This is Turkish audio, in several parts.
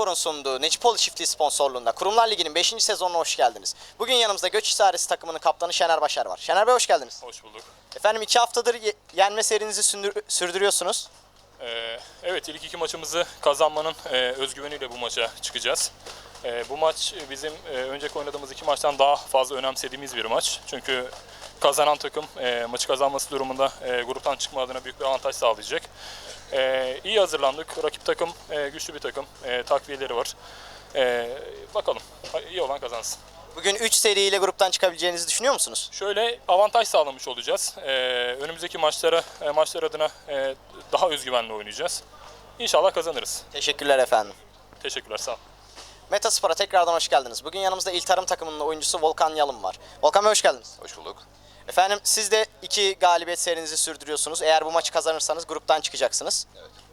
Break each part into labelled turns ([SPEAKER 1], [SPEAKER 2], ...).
[SPEAKER 1] Metaspor'un sunduğu Necipoğlu Çiftliği sponsorluğunda Kurumlar Ligi'nin 5. sezonuna hoş geldiniz. Bugün yanımızda Göç İdaresi takımının kaptanı Şener Başar var. Şener Bey hoş geldiniz.
[SPEAKER 2] Hoş bulduk.
[SPEAKER 1] Efendim 2 haftadır yenme serinizi sürdürüyorsunuz.
[SPEAKER 2] Evet, ilk iki maçımızı kazanmanın özgüveniyle bu maça çıkacağız. Bu maç bizim önceki oynadığımız iki maçtan daha fazla önemsediğimiz bir maç. Çünkü kazanan takım maçı kazanması durumunda gruptan çıkma adına büyük bir avantaj sağlayacak. İyi hazırlandık. Rakip takım güçlü bir takım. Takviyeleri var. Bakalım. İyi olan kazansın.
[SPEAKER 1] Bugün 3 seriyle gruptan çıkabileceğinizi düşünüyor musunuz?
[SPEAKER 2] Şöyle avantaj sağlamış olacağız. Önümüzdeki maçlar adına daha özgüvenli oynayacağız. İnşallah kazanırız.
[SPEAKER 1] Teşekkürler efendim.
[SPEAKER 2] Teşekkürler, sağ olun.
[SPEAKER 1] Metaspor'a tekrardan hoş geldiniz. Bugün yanımızda İl Tarım takımının oyuncusu Volkan Yalın var. Volkan Bey hoş geldiniz.
[SPEAKER 3] Hoş bulduk.
[SPEAKER 1] Efendim siz de 2 galibiyet serinizi sürdürüyorsunuz. Eğer bu maçı kazanırsanız gruptan çıkacaksınız.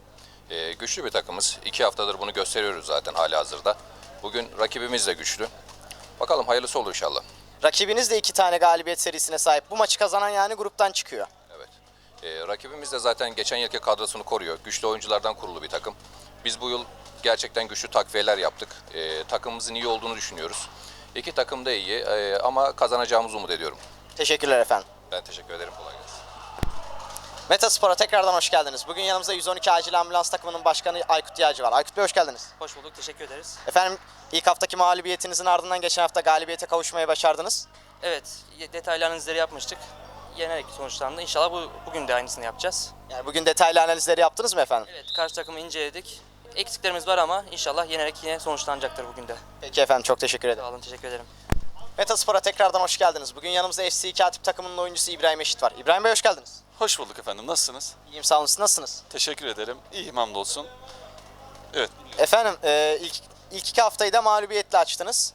[SPEAKER 3] Güçlü bir takımız. 2 haftadır bunu gösteriyoruz zaten halihazırda. Bugün rakibimiz de güçlü. Bakalım hayırlısı olur inşallah.
[SPEAKER 1] Rakibiniz de 2 tane galibiyet serisine sahip. Bu maçı kazanan yani gruptan çıkıyor.
[SPEAKER 3] Evet. Rakibimiz de zaten geçen yılki kadrosunu koruyor. Güçlü oyunculardan kurulu bir takım. Biz bu yıl gerçekten güçlü takviyeler yaptık. Takımımızın iyi olduğunu düşünüyoruz. İki takım da iyi ama kazanacağımızı umut ediyorum.
[SPEAKER 1] Teşekkürler efendim.
[SPEAKER 3] Ben teşekkür ederim. Kolay gelsin.
[SPEAKER 1] Metaspor'a tekrardan hoş geldiniz. Bugün yanımızda 112 Acil Ambulans takımının başkanı Aykut Yağcı var. Aykut Bey hoş geldiniz.
[SPEAKER 4] Hoş bulduk, teşekkür ederiz.
[SPEAKER 1] Efendim ilk haftaki mağlubiyetinizin ardından geçen hafta galibiyete kavuşmayı başardınız.
[SPEAKER 4] Evet, detaylı analizleri yapmıştık. Yenerek sonuçlandı. İnşallah bugün de aynısını yapacağız.
[SPEAKER 1] Yani bugün detaylı analizleri yaptınız mı efendim?
[SPEAKER 4] Evet, karşı takımı inceledik. Eksiklerimiz var ama inşallah yenerek yine sonuçlanacaktır bugün de.
[SPEAKER 1] Peki efendim çok teşekkür ederim.
[SPEAKER 4] Sağ olun, teşekkür ederim.
[SPEAKER 1] Metaspor'a tekrardan hoş geldiniz. Bugün yanımızda FC Katip takımının oyuncusu İbrahim Eşit var. İbrahim Bey hoş geldiniz.
[SPEAKER 5] Hoş bulduk efendim. Nasılsınız?
[SPEAKER 1] İyiyim sağ olun, siz nasılsınız?
[SPEAKER 5] Teşekkür ederim. İyiyim hamdolsun. Evet.
[SPEAKER 1] Efendim ilk 2 haftayı da mağlubiyetle açtınız.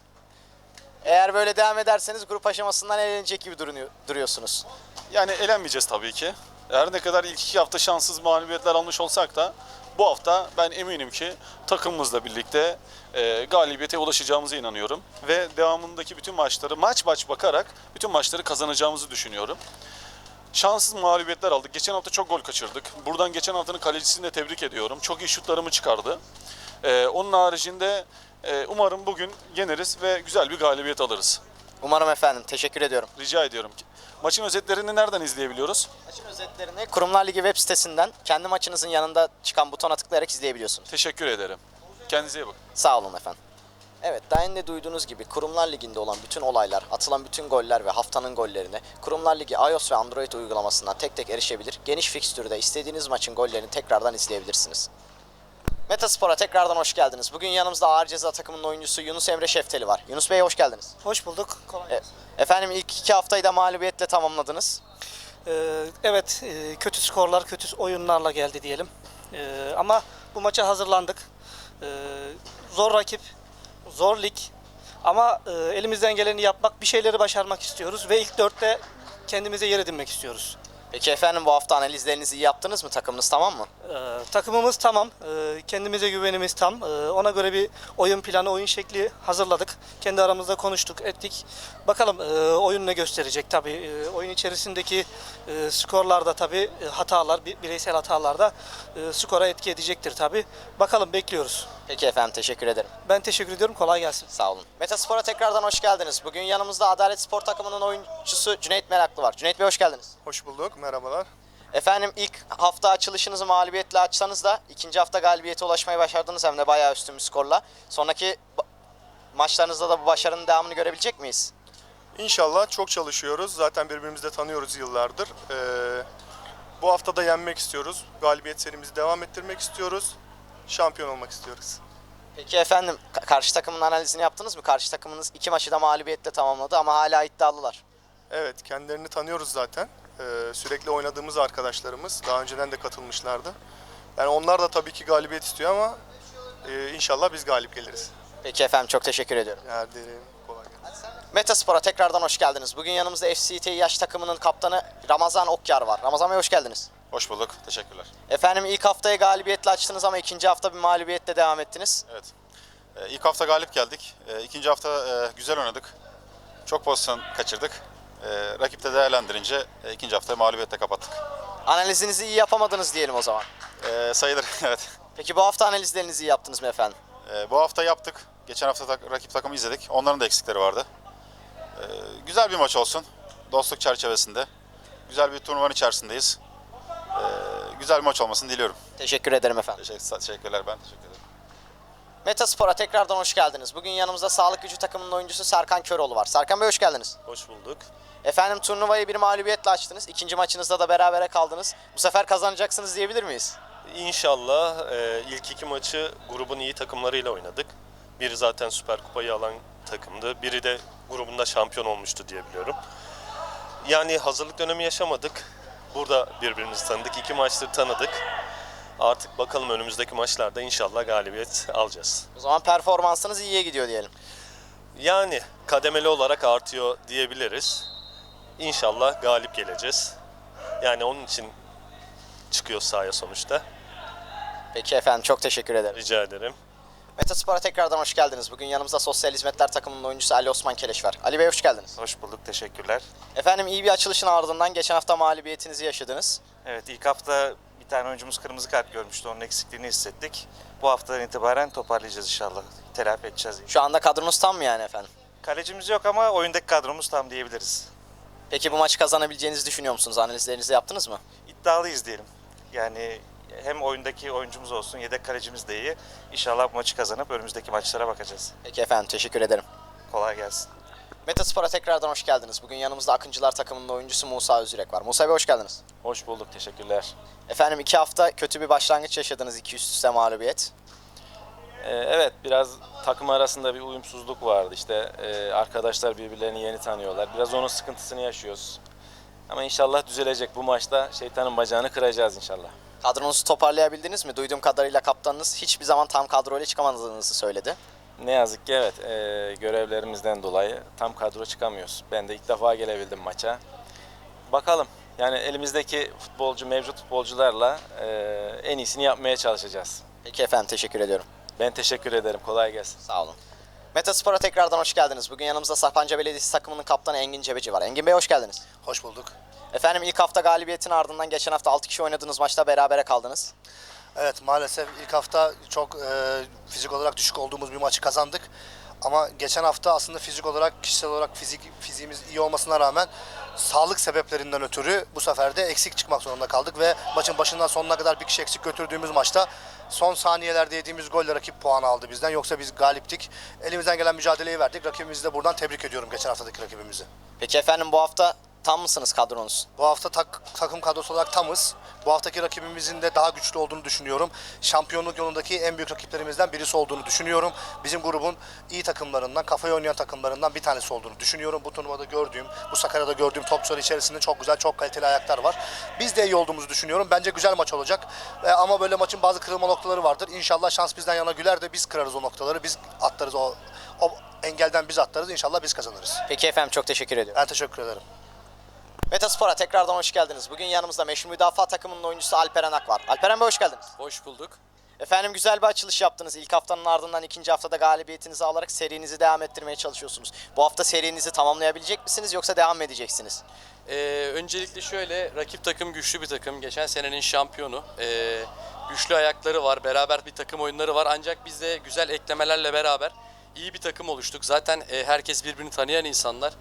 [SPEAKER 1] Eğer böyle devam ederseniz grup aşamasından elenecek gibi duruyorsunuz.
[SPEAKER 5] Yani elenmeyeceğiz tabii ki. Her ne kadar ilk 2 hafta şanssız mağlubiyetler almış olsak da bu hafta ben eminim ki takımımızla birlikte galibiyete ulaşacağımıza inanıyorum. Ve devamındaki bütün maçları maç bakarak bütün maçları kazanacağımızı düşünüyorum. Şanssız mağlubiyetler aldık. Geçen hafta çok gol kaçırdık. Buradan geçen haftanın kalecisini de tebrik ediyorum. Çok iyi şutlarımı çıkardı. Onun haricinde umarım bugün yeneriz ve güzel bir galibiyet alırız.
[SPEAKER 1] Umarım efendim. Teşekkür ediyorum.
[SPEAKER 5] Rica ediyorum. Maçın özetlerini nereden izleyebiliyoruz?
[SPEAKER 1] Maçın özetlerini Kurumlar Ligi web sitesinden kendi maçınızın yanında çıkan butona tıklayarak izleyebiliyorsunuz.
[SPEAKER 5] Teşekkür ederim. Kendinize iyi bakın.
[SPEAKER 1] Sağ olun efendim. Evet, daha önce duyduğunuz gibi Kurumlar Ligi'nde olan bütün olaylar, atılan bütün goller ve haftanın gollerine Kurumlar Ligi iOS ve Android uygulamasından tek tek erişebilir. Geniş fikstürde istediğiniz maçın gollerini tekrardan izleyebilirsiniz. Metaspor'a tekrardan hoş geldiniz. Bugün yanımızda Ağır Ceza takımının oyuncusu Yunus Emre Şefteli var. Yunus Bey hoş geldiniz.
[SPEAKER 6] Hoş bulduk. Kolay gelsin.
[SPEAKER 1] Efendim ilk 2 haftayı da mağlubiyetle tamamladınız.
[SPEAKER 6] Evet, kötü skorlar, kötü oyunlarla geldi diyelim. Ama bu maça hazırlandık. Zor rakip, zor lig. Ama elimizden geleni yapmak, bir şeyleri başarmak istiyoruz. Ve ilk 4'te kendimize yer edinmek istiyoruz.
[SPEAKER 1] Peki efendim bu hafta analizlerinizi iyi yaptınız mı? Takımınız tamam mı?
[SPEAKER 6] Takımımız tamam, kendimize güvenimiz tam. Ona göre bir oyun planı, oyun şekli hazırladık. Kendi aramızda konuştuk, ettik. Bakalım oyun ne gösterecek tabii. Oyun içerisindeki skorlarda tabii hatalar, bireysel hatalarda skora etki edecektir tabii. Bakalım, bekliyoruz.
[SPEAKER 1] Peki efendim teşekkür ederim.
[SPEAKER 6] Ben teşekkür ediyorum, kolay gelsin.
[SPEAKER 1] Sağ olun. Metaspor'a tekrardan hoş geldiniz. Bugün yanımızda Adalet Spor takımının oyuncusu Cüneyt Meraklı var. Cüneyt Bey hoş geldiniz.
[SPEAKER 7] Hoş bulduk, merhabalar.
[SPEAKER 1] Efendim ilk hafta açılışınızı mağlubiyetle açsanız da ikinci hafta galibiyete ulaşmayı başardınız hem de bayağı üstün bir skorla. Sonraki maçlarınızda da bu başarının devamını görebilecek miyiz?
[SPEAKER 7] İnşallah çok çalışıyoruz. Zaten birbirimizi de tanıyoruz yıllardır. Bu hafta da yenmek istiyoruz. Galibiyet serimizi devam ettirmek istiyoruz. Şampiyon olmak istiyoruz.
[SPEAKER 1] Peki efendim karşı takımın analizini yaptınız mı? Karşı takımınız 2 maçı da mağlubiyetle tamamladı ama hala iddialılar.
[SPEAKER 7] Evet, kendilerini tanıyoruz zaten. Sürekli oynadığımız arkadaşlarımız. Daha önceden de katılmışlardı. Yani onlar da tabii ki galibiyet istiyor ama inşallah biz galip geliriz.
[SPEAKER 1] Peki efendim çok teşekkür ediyorum.
[SPEAKER 7] Erdem, kolay gelsin.
[SPEAKER 1] Metaspor'a tekrardan hoş geldiniz. Bugün yanımızda FCT yaş takımının kaptanı Ramazan Okyar var. Ramazan Bey hoş geldiniz.
[SPEAKER 5] Hoş bulduk. Teşekkürler.
[SPEAKER 1] Efendim ilk haftayı galibiyetle açtınız ama ikinci hafta bir mağlubiyetle devam ettiniz.
[SPEAKER 8] Evet. İlk hafta galip geldik. İkinci hafta güzel oynadık. Çok pozisyon kaçırdık. Rakip de değerlendirince ikinci haftayı mağlubiyetle kapattık.
[SPEAKER 1] Analizinizi iyi yapamadınız diyelim o zaman.
[SPEAKER 8] Sayılır, evet.
[SPEAKER 1] Peki bu hafta analizlerinizi iyi yaptınız mı efendim?
[SPEAKER 8] Bu hafta yaptık. Geçen hafta rakip takımı izledik. Onların da eksikleri vardı. Güzel bir maç olsun. Dostluk çerçevesinde. Güzel bir turnuvanın içerisindeyiz. Güzel bir maç olmasını diliyorum.
[SPEAKER 1] Teşekkür ederim efendim.
[SPEAKER 8] Teşekkürler, ben teşekkür ederim.
[SPEAKER 1] Metaspor'a tekrardan hoş geldiniz. Bugün yanımızda Sağlık Gücü takımının oyuncusu Serkan Köroğlu var. Serkan Bey hoş geldiniz.
[SPEAKER 9] Hoş bulduk.
[SPEAKER 1] Efendim turnuvayı bir mağlubiyetle açtınız. İkinci maçınızda da berabere kaldınız. Bu sefer kazanacaksınız diyebilir miyiz?
[SPEAKER 9] İnşallah ilk iki maçı grubun iyi takımlarıyla oynadık. Biri zaten Süper Kupayı alan takımdı. Biri de grubunda şampiyon olmuştu diye biliyorum. Yani hazırlık dönemi yaşamadık. Burada birbirimizi tanıdık. İki maçtır tanıdık. Artık bakalım önümüzdeki maçlarda inşallah galibiyet alacağız.
[SPEAKER 1] O zaman performansınız iyiye gidiyor diyelim.
[SPEAKER 9] Yani kademeli olarak artıyor diyebiliriz. İnşallah galip geleceğiz. Yani onun için çıkıyor sahaya sonuçta.
[SPEAKER 1] Peki efendim çok teşekkür ederim.
[SPEAKER 9] Rica ederim.
[SPEAKER 1] Metaspor'a tekrardan hoş geldiniz. Bugün yanımızda Sosyal Hizmetler takımının oyuncusu Ali Osman Keleş var. Ali Bey hoş geldiniz.
[SPEAKER 10] Hoş bulduk, teşekkürler.
[SPEAKER 1] Efendim iyi bir açılışın ardından geçen hafta mağlubiyetinizi yaşadınız.
[SPEAKER 10] Evet, ilk hafta bir tane oyuncumuz kırmızı kart görmüştü, onun eksikliğini hissettik. Bu haftadan itibaren toparlayacağız inşallah, telafi edeceğiz.
[SPEAKER 1] Şu anda kadronuz tam mı yani efendim?
[SPEAKER 10] Kalecimiz yok ama oyundaki kadromuz tam diyebiliriz.
[SPEAKER 1] Peki bu maçı kazanabileceğinizi düşünüyor musunuz? Analizlerinizi yaptınız mı?
[SPEAKER 10] İddialıyız diyelim. Yani hem oyundaki oyuncumuz olsun, yedek kalecimiz de iyi. İnşallah bu maçı kazanıp önümüzdeki maçlara bakacağız.
[SPEAKER 1] Peki efendim teşekkür ederim.
[SPEAKER 10] Kolay gelsin.
[SPEAKER 1] Metaspor'a tekrardan hoş geldiniz. Bugün yanımızda Akıncılar takımının oyuncusu Musa Özürek var. Musa Bey hoş geldiniz.
[SPEAKER 11] Hoş bulduk, teşekkürler.
[SPEAKER 1] Efendim 2 hafta kötü bir başlangıç yaşadınız, 2 üst üste mağlubiyet.
[SPEAKER 11] Evet, biraz takım arasında bir uyumsuzluk vardı. İşte arkadaşlar birbirlerini yeni tanıyorlar. Biraz onun sıkıntısını yaşıyoruz. Ama inşallah düzelecek. Bu maçta şeytanın bacağını kıracağız inşallah.
[SPEAKER 1] Kadronuzu toparlayabildiniz mi? Duyduğum kadarıyla kaptanınız hiçbir zaman tam kadroyla çıkamadığınızı söyledi.
[SPEAKER 11] Ne yazık ki evet, görevlerimizden dolayı tam kadro çıkamıyoruz. Ben de ilk defa gelebildim maça. Bakalım, yani elimizdeki mevcut futbolcularla en iyisini yapmaya çalışacağız.
[SPEAKER 1] Peki efendim teşekkür ediyorum.
[SPEAKER 11] Ben teşekkür ederim, kolay gelsin.
[SPEAKER 1] Sağ olun. Metaspor'a tekrardan hoş geldiniz. Bugün yanımızda Sapanca Belediyesi takımının kaptanı Engin Cebeci var. Engin Bey hoş geldiniz.
[SPEAKER 12] Hoş bulduk.
[SPEAKER 1] Efendim ilk hafta galibiyetin ardından geçen hafta 6 kişi oynadığınız maçta berabere kaldınız.
[SPEAKER 12] Evet, maalesef ilk hafta çok fizik olarak düşük olduğumuz bir maçı kazandık. Ama geçen hafta aslında fizik olarak, kişisel olarak fiziğimiz iyi olmasına rağmen sağlık sebeplerinden ötürü bu sefer de eksik çıkmak zorunda kaldık ve maçın başından sonuna kadar bir kişi eksik götürdüğümüz maçta son saniyelerde yediğimiz golle rakip puanı aldı bizden. Yoksa biz galiptik. Elimizden gelen mücadeleyi verdik. Rakibimizi de buradan tebrik ediyorum, geçen haftaki rakibimizi.
[SPEAKER 1] Peki efendim bu hafta tam mısınız kadronuz?
[SPEAKER 12] Bu hafta takım kadrosu olarak tamız. Bu haftaki rakibimizin de daha güçlü olduğunu düşünüyorum. Şampiyonluk yolundaki en büyük rakiplerimizden birisi olduğunu düşünüyorum. Bizim grubun iyi takımlarından, kafaya oynayan takımlarından bir tanesi olduğunu düşünüyorum. Bu turnuvada gördüğüm, bu Sakarya'da gördüğüm topçular içerisinde çok güzel, çok kaliteli ayaklar var. Biz de iyi olduğumuzu düşünüyorum. Bence güzel maç olacak. Ama böyle maçın bazı kırılma noktaları vardır. İnşallah şans bizden yana güler de biz kırarız o noktaları. Biz atlarız o engelden biz atlarız. İnşallah biz kazanırız.
[SPEAKER 1] Peki efendim çok teşekkür ediyorum.
[SPEAKER 12] Ben teşekkür ederim.
[SPEAKER 1] Metaspor'a tekrardan hoş geldiniz. Bugün yanımızda meşhur müdafaa takımının oyuncusu Alperen Ak var. Alperen Bey hoş geldiniz.
[SPEAKER 13] Hoş bulduk.
[SPEAKER 1] Efendim güzel bir açılış yaptınız. İlk haftanın ardından ikinci haftada galibiyetinizi alarak serinizi devam ettirmeye çalışıyorsunuz. Bu hafta serinizi tamamlayabilecek misiniz yoksa devam mı edeceksiniz?
[SPEAKER 13] Öncelikle şöyle, rakip takım güçlü bir takım. Geçen senenin şampiyonu. Güçlü ayakları var, beraber bir takım oyunları var. Ancak biz de güzel eklemelerle beraber iyi bir takım oluştuk. Zaten herkes birbirini tanıyan insanlar.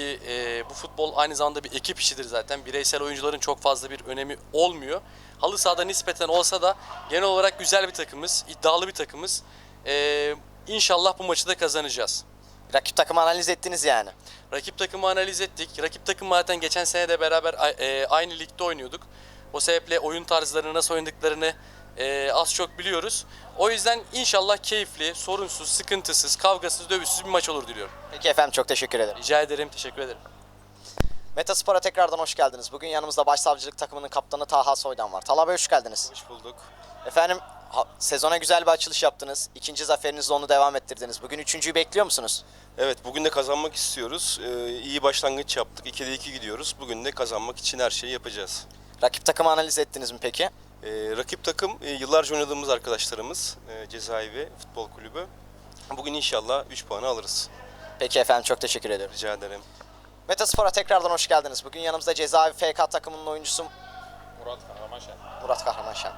[SPEAKER 13] Bu futbol aynı zamanda bir ekip işidir zaten. Bireysel oyuncuların çok fazla bir önemi olmuyor. Halı sahada nispeten olsa da genel olarak güzel bir takımız, iddialı bir takımız. İnşallah bu maçı da kazanacağız.
[SPEAKER 1] Rakip takımı analiz ettiniz yani.
[SPEAKER 13] Rakip takımı analiz ettik. Rakip takım zaten geçen sene de beraber aynı ligde oynuyorduk. O sebeple oyun tarzlarını, nasıl oynadıklarını az çok biliyoruz. O yüzden inşallah keyifli, sorunsuz, sıkıntısız, kavgasız, dövüşsüz bir maç olur diliyorum.
[SPEAKER 1] Peki efendim çok teşekkür ederim.
[SPEAKER 13] Rica ederim, teşekkür ederim.
[SPEAKER 1] Metaspor'a tekrardan hoş geldiniz. Bugün yanımızda Başsavcılık takımının kaptanı Taha Soydan var. Talha Bey hoş geldiniz.
[SPEAKER 14] Hoş bulduk.
[SPEAKER 1] Efendim sezona güzel bir açılış yaptınız. İkinci zaferinizle onu devam ettirdiniz. Bugün üçüncüyü bekliyor musunuz?
[SPEAKER 14] Evet, bugün de kazanmak istiyoruz. İyi başlangıç yaptık. 2'de 2 gidiyoruz. Bugün de kazanmak için her şeyi yapacağız.
[SPEAKER 1] Rakip takımı analiz ettiniz mi peki?
[SPEAKER 14] Rakip takım yıllarca oynadığımız arkadaşlarımız, Cezaevi Futbol Kulübü. Bugün inşallah 3 puanı alırız.
[SPEAKER 1] Peki efendim çok teşekkür ederim.
[SPEAKER 14] Rica ederim.
[SPEAKER 1] Metaspor'a tekrardan hoş geldiniz. Bugün yanımızda Cezaevi FK takımının oyuncusu
[SPEAKER 2] Murat Kahramanşen.
[SPEAKER 1] Murat Kahramanşen.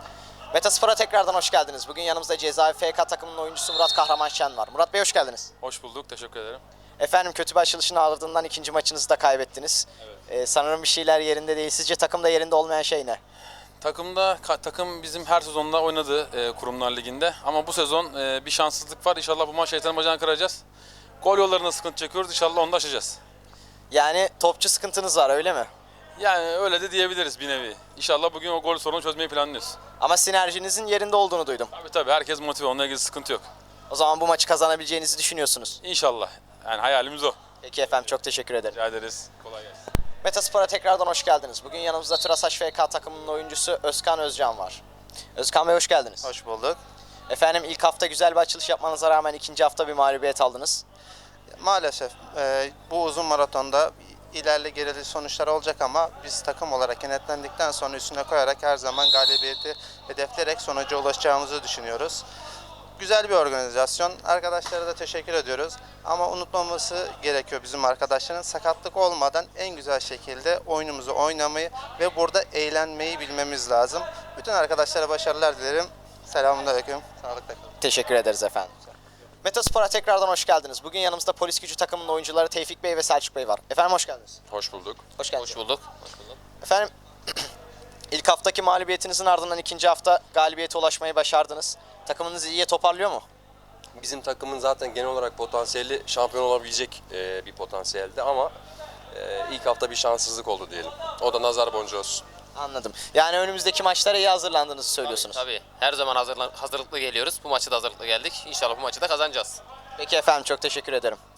[SPEAKER 1] Metaspor'a tekrardan hoş geldiniz. Bugün yanımızda Cezaevi FK takımının oyuncusu Murat Kahramanşen var. Murat Bey hoş geldiniz.
[SPEAKER 2] Hoş bulduk, teşekkür ederim.
[SPEAKER 1] Efendim kötü bir açılışın ardından ikinci maçınızı da kaybettiniz. Sanırım bir şeyler yerinde değil. Sizce takımda yerinde olmayan şey ne?
[SPEAKER 15] Takım bizim her sezonda oynadı Kurumlar Ligi'nde. Ama bu sezon bir şanssızlık var. İnşallah bu maç şeytanın bacağını kıracağız. Gol yollarında sıkıntı çekiyoruz. İnşallah onu da aşacağız.
[SPEAKER 1] Yani topçu sıkıntınız var öyle mi?
[SPEAKER 15] Yani öyle de diyebiliriz bir nevi. İnşallah bugün o gol sorunu çözmeyi planlıyoruz.
[SPEAKER 1] Ama sinerjinizin yerinde olduğunu duydum.
[SPEAKER 15] Tabii herkes motive. Onunla ilgili sıkıntı yok.
[SPEAKER 1] O zaman bu maçı kazanabileceğinizi düşünüyorsunuz.
[SPEAKER 15] İnşallah. Yani hayalimiz o.
[SPEAKER 1] Peki efendim çok teşekkür ederim.
[SPEAKER 15] Rica ederiz. Kolay gelsin.
[SPEAKER 1] Metaspor'a tekrardan hoş geldiniz. Bugün yanımızda Turasaç FK takımının oyuncusu Özkan Özcan var. Özkan Bey hoş geldiniz.
[SPEAKER 16] Hoş bulduk.
[SPEAKER 1] Efendim ilk hafta güzel bir açılış yapmanıza rağmen ikinci hafta bir mağlubiyet aldınız.
[SPEAKER 16] Maalesef bu uzun maratonda ilerli gerili sonuçlar olacak ama biz takım olarak kenetlendikten sonra üstüne koyarak her zaman galibiyeti hedefleyerek sonuca ulaşacağımızı düşünüyoruz. Güzel bir organizasyon. Arkadaşlara da teşekkür ediyoruz. Ama unutmaması gerekiyor bizim arkadaşların. Sakatlık olmadan en güzel şekilde oyunumuzu oynamayı ve burada eğlenmeyi bilmemiz lazım. Bütün arkadaşlara başarılar dilerim. Selamünaleyküm. Sağlıkla kalın.
[SPEAKER 1] Teşekkür ederiz efendim. Metaspor'a tekrardan hoş geldiniz. Bugün yanımızda Polis Gücü takımının oyuncuları Tevfik Bey ve Selçuk Bey var. Efendim hoş geldiniz.
[SPEAKER 3] Hoş bulduk.
[SPEAKER 1] Hoş geldiniz.
[SPEAKER 3] Hoş bulduk.
[SPEAKER 1] Efendim ilk haftaki mağlubiyetinizin ardından ikinci hafta galibiyete ulaşmayı başardınız. Takımınız iyiye toparlıyor mu?
[SPEAKER 17] Bizim takımın zaten genel olarak potansiyeli şampiyon olabilecek bir potansiyeldi ama ilk hafta bir şanssızlık oldu diyelim. O da nazar boncuğu olsun.
[SPEAKER 1] Anladım. Yani önümüzdeki maçlara iyi hazırlandığınızı söylüyorsunuz.
[SPEAKER 18] Tabii. Her zaman hazırlıklı geliyoruz. Bu maçı da hazırlıklı geldik. İnşallah bu maçı da kazanacağız.
[SPEAKER 1] Peki efendim çok teşekkür ederim.